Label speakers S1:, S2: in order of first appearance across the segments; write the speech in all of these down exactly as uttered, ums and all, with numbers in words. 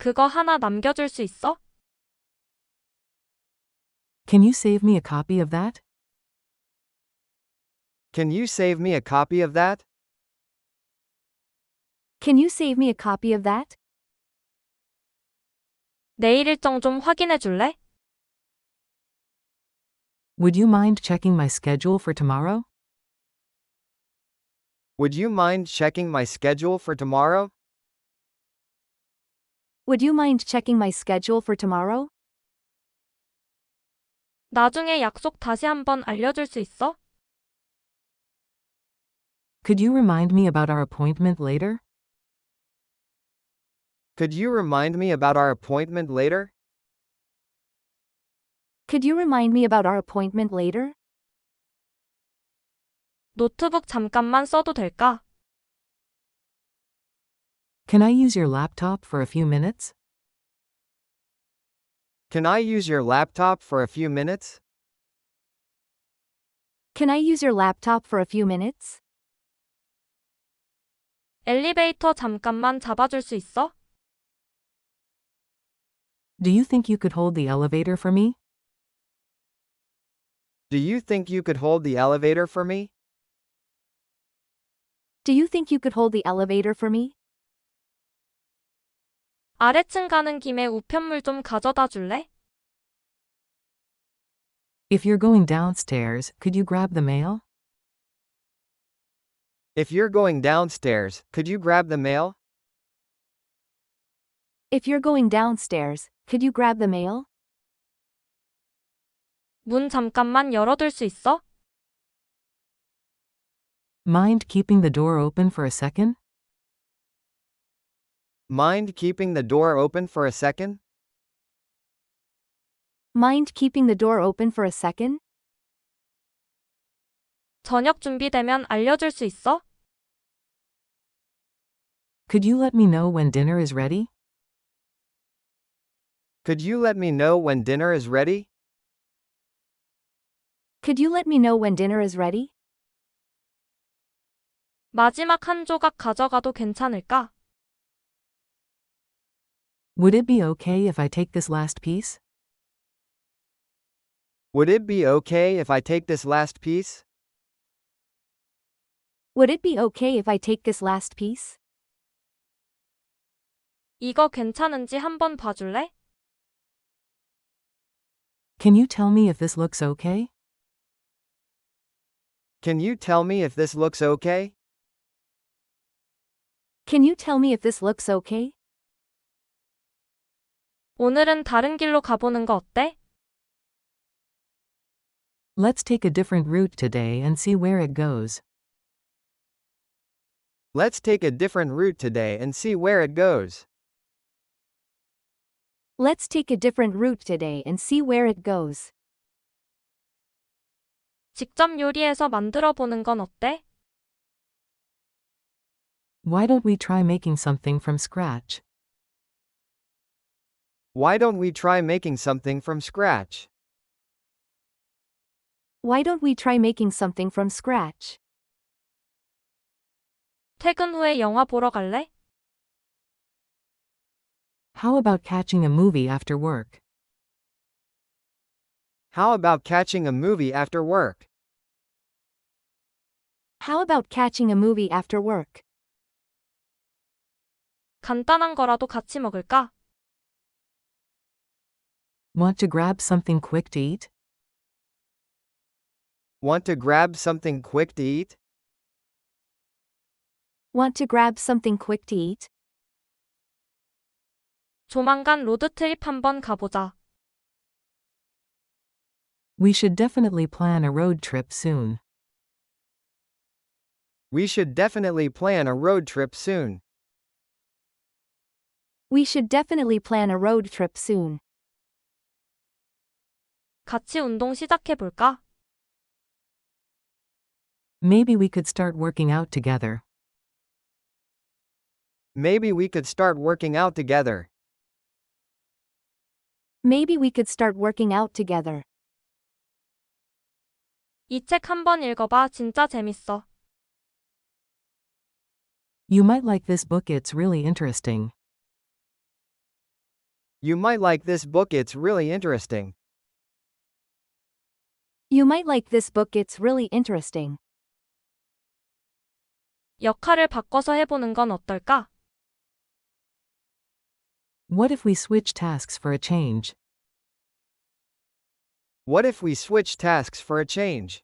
S1: 그거 하나 남겨줄 수 있어?
S2: Can you save me a copy of that?
S3: Can you save me a copy of that?
S4: Can you save me a copy of that?
S1: 내일 일정 좀 확인해 줄래?
S2: Would you mind checking my schedule for tomorrow?
S3: Would you mind checking my schedule for tomorrow?
S4: Would you mind checking my schedule for tomorrow?
S1: 나중에 약속 다시 한번 알려줄 수 있어?
S2: Could you remind me about our appointment later?
S3: Could you remind me about our appointment later?
S4: Could you remind me about our appointment later?
S1: 노트북 잠깐만 써도 될까?
S2: Can I use your laptop for a few minutes?
S3: Can I use your laptop for a few minutes?
S4: Can I use your laptop for a few minutes?
S1: 엘리베이터 잠깐만 잡아줄 수 있어?
S2: Do you think you could hold the elevator for me?
S3: Do you think you could hold the elevator for me?
S4: Do you think you could hold the elevator for me?
S1: 아래층 가는 김에 우편물 좀 가져다 줄래?
S2: If you're going downstairs, could you grab the mail?
S3: If you're going downstairs, could you grab the mail?
S4: If you're going downstairs, could you grab the mail?
S1: 문 잠깐만 열어둘 수 있어?
S2: Mind keeping the door open for a second?
S3: Mind keeping the door open for a second?
S4: Mind keeping the door open for a second?
S1: 저녁 준비되면 알려줄 수 있어?
S2: Could you let me know when dinner is ready?
S3: Could you let me know when dinner is ready?
S4: Could you let me know when dinner is ready?
S1: 마지막 한 조각 가져가도 괜찮을까?
S2: Would it be okay if I take this last piece?
S3: Would it be okay if I take this last piece?
S4: Would it be okay if I take this last piece?
S1: 이거 괜찮은지 한번 봐줄래?
S2: Can you tell me if this looks okay?
S3: Can you tell me if this looks okay?
S4: Can you tell me if this looks okay?
S1: 오늘은 다른 길로 가보는 거 어때?
S2: Let's take a different route today and see where it goes.
S3: Let's take a different route today and see where it goes.
S4: Let's take a different route today and see where it goes.
S1: 직접 요리해서 만들어 보는 건 어때?
S2: Why don't we try making something from scratch?
S3: Why don't we try making something from scratch?
S4: Why don't we try making something from scratch?
S1: 퇴근 후에 영화 보러 갈래?
S2: How about catching a movie after work?
S3: How about catching a movie after work?
S4: How about catching a movie after work?
S1: 간단한 거라도 같이 먹을까?
S2: Want to grab something quick to eat?
S3: Want to grab something quick to eat?
S4: Want to grab something quick to eat?
S1: 조만간 로드트립 한번 가보자.
S2: We should definitely plan a road trip soon.
S3: We should definitely plan a road trip soon.
S4: We should definitely plan a road trip soon.
S1: 같이 운동 시작해볼까?
S2: Maybe we could start working out together.
S3: Maybe we could start working out together.
S4: Maybe we could start working out together.
S1: 이 책 한번 읽어봐. 진짜 재밌어.
S2: You might like this book, it's really interesting.
S3: You might like this book, it's really interesting.
S4: You might like this book, it's really interesting.
S1: 역할을 바꿔서 해보는 건 어떨까?
S2: What if we switch tasks for a change?
S3: What if we switch tasks for a change?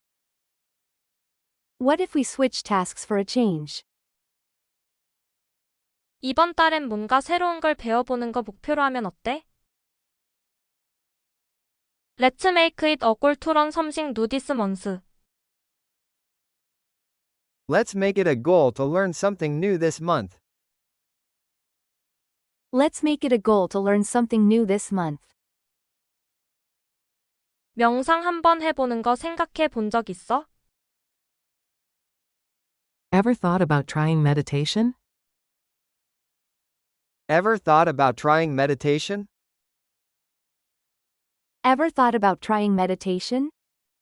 S4: What if we switch tasks for a change?
S1: 이번 달엔 뭔가 새로운 걸 배워보는 거 목표로 하면 어때? Let's make it a goal to learn something new this month.
S3: Let's make it a goal to learn something new this month.
S4: Let's make it a goal to learn something new this month.
S1: 명상 한번 해보는 거 생각해 본 적 있어?
S2: Ever thought about trying meditation?
S3: Ever thought about trying meditation?
S4: Ever thought about trying meditation?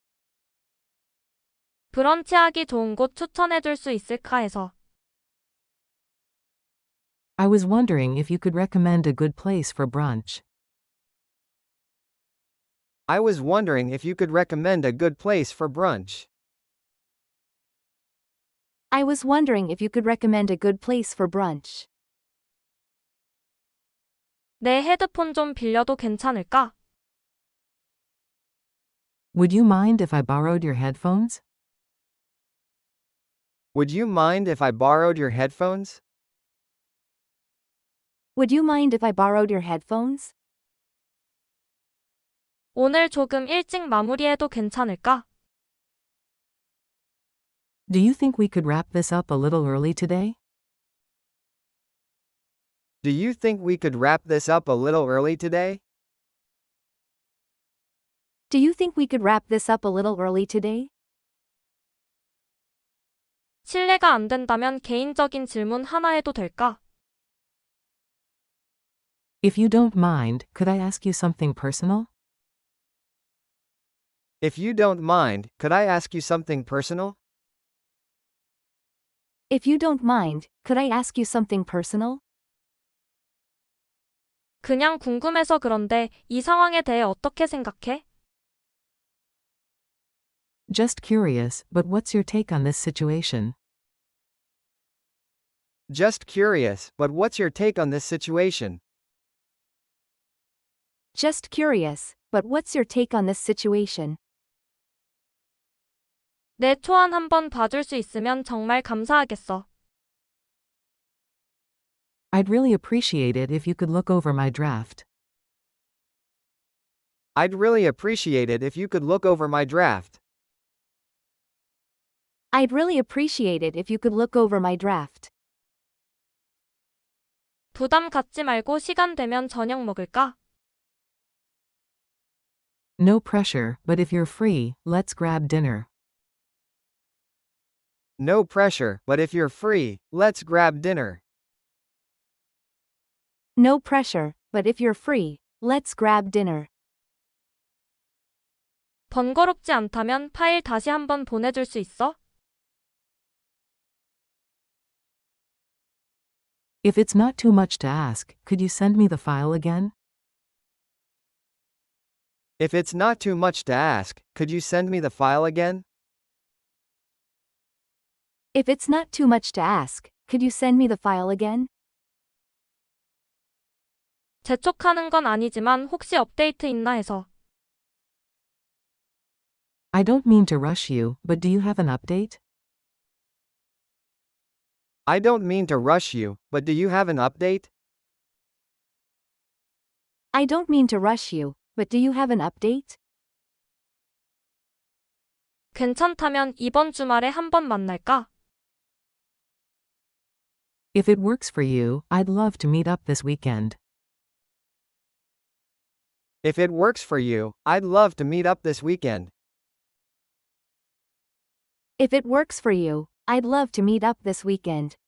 S1: 브런치 하기 좋은 곳 추천해 줄 수 있을까 해서.
S2: I was wondering if you could recommend a good place for brunch.
S3: I was wondering if you could recommend a good place for brunch.
S4: I was wondering if you could recommend a good place for brunch.
S1: 내 헤드폰 좀 빌려도 괜찮을까?
S2: Would you mind if I borrowed your headphones?
S3: Would you mind if I borrowed your headphones?
S4: Would you mind if I borrowed your headphones?
S1: 오늘 조금 일찍 마무리해도 괜찮을까?
S2: Do you think we could wrap this up a little early today?
S3: Do you think we could wrap this up a little early today?
S4: Do you think we could wrap this up a little early today?
S1: 실례가 안 된다면 개인적인 질문 하나 해도 될까?
S2: If you don't mind, could I ask you something personal?
S3: If you don't mind, could I ask you something personal?
S4: If you don't mind, could I ask you something personal?
S1: 그냥 궁금해서 그런데 이 상황에 대해 어떻게 생각해?
S2: Just curious, but what's your take on this situation?
S3: Just curious, but what's your take on this situation?
S4: Just curious, but what's your take on this situation?
S1: 내 초안 한번 봐줄 수 있으면 정말 감사하겠어.
S2: I'd really appreciate it if you could look over my draft.
S3: I'd really appreciate it if you could look over my draft.
S4: I'd really appreciate it if you could look over my draft.
S1: 부담 갖지 말고 시간 되면 저녁 먹을까?
S2: No pressure, but if you're free, let's grab dinner.
S3: No pressure, but if you're free, let's grab dinner.
S4: No pressure, but if you're free, let's grab dinner.
S1: 번거롭지 않다면 파일 다시 한번 보내줄 수 있어?
S2: If it's not too much to ask, could you send me the file again?
S3: If it's not too much to ask, could you send me the file again?
S4: If it's not too much to ask, could you send me the file again?
S1: 재촉하는 건 아니지만 혹시 업데이트 있나 해서.
S2: I don't mean to rush you, but do you have an update?
S3: I don't mean to rush you, but do you have an update?
S4: I don't mean to rush you, but do you have an update?
S1: 괜찮다면 이번 주말에 한번 만날까?
S2: If it works for you, I'd love to meet up this weekend.
S3: If it works for you, I'd love to meet up this weekend.
S4: If it works for you, I'd love to meet up this weekend.